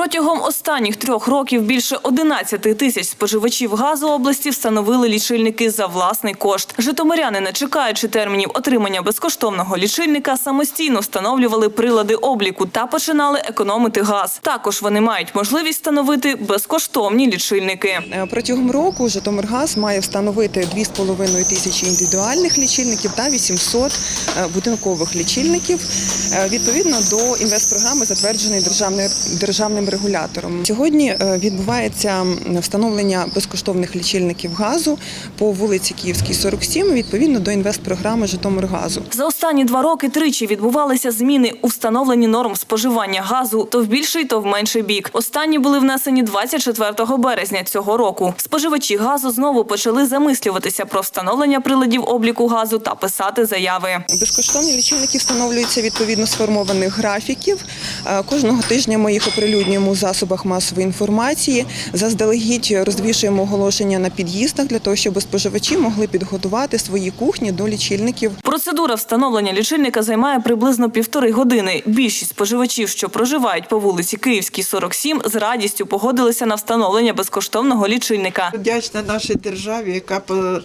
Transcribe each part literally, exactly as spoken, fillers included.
Протягом останніх трьох років більше одинадцяти тисяч споживачів газу області встановили лічильники за власний кошт. Житомиряни, не чекаючи термінів отримання безкоштовного лічильника, самостійно встановлювали прилади обліку та починали економити газ. Також вони мають можливість встановити безкоштовні лічильники. Протягом року Житомиргаз має встановити дві з половиною тисячі індивідуальних лічильників та вісімсот будинкових лічильників відповідно до інвестпрограми, затвердженої державним, державним регулятором. Сьогодні відбувається встановлення безкоштовних лічильників газу по вулиці Київській, сорок сім, відповідно до інвестпрограми Житомиргазу. За останні два роки тричі відбувалися зміни у встановленні норм споживання газу то в більший, то в менший бік. Останні були внесені двадцять четвертого березня цього року. Споживачі газу знову почали замислюватися про встановлення приладів обліку газу та писати заяви. Безкоштовні лічильники встановлюються відповідно сформованих графіків. Кожного тижня ми їх оприлюднюємо у засобах масової інформації. Заздалегідь розвішуємо оголошення на під'їздах для того, щоб споживачі могли підготувати свої кухні до лічильників. Процедура встановлення лічильника займає приблизно півтори години. Більшість споживачів, що проживають по вулиці Київській, сорок сім, з радістю погодилися на встановлення безкоштовного лічильника. Вдячна нашій державі, яка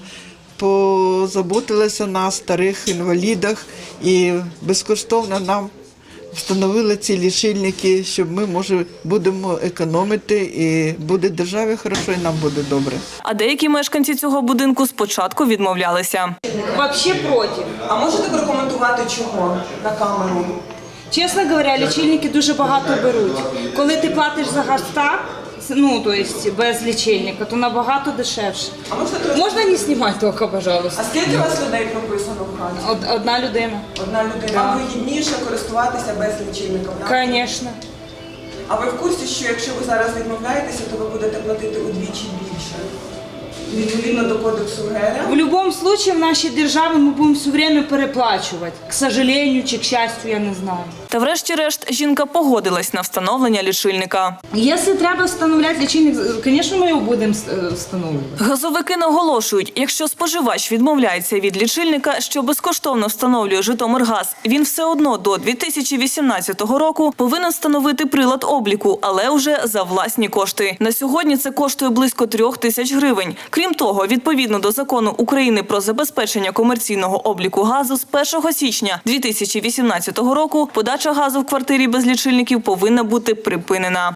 позаботилася на старих інвалідах і безкоштовно нам встановили ці лічильники, щоб ми, може, будемо економити і буде державі хорошо, і нам буде добре. А деякі мешканці цього будинку спочатку відмовлялися. Вообще проти. А можете прокоментувати чого на камеру? Чесно говоря, лічильники дуже багато беруть. Коли ти платиш за газ так, ну, то есть без лічильника, то набагато дешевше. А можете... Можна не знімати тільки, пожалуйста? А скільки у вас людей прописано в хаті? Од- Одна людина. Одна людина. Да. Вам вигідніше користуватися без лічильника? Звісно. А ви в курсі, що якщо ви зараз відмовляєтеся, то ви будете платити удвічі більше? Відповідно до кодексу ГРМ? В будь-якому випадку в нашій державі ми будемо все время переплачувати. К сожалению чи к счастью, я не знаю. Та врешті-решт жінка погодилась на встановлення лічильника. Якщо треба встановляти лічильник, звісно, ми його будемо встановлювати. Газовики наголошують, якщо споживач відмовляється від лічильника, що безкоштовно встановлює Житомиргаз, він все одно до дві тисячі вісімнадцятого року повинен встановити прилад обліку, але уже за власні кошти. На сьогодні це коштує близько трьох тисяч гривень. Крім того, відповідно до Закону України про забезпечення комерційного обліку газу, з першого січня дві тисячі вісімнадцятого року подача газу в квартирі без лічильників повинна бути припинена.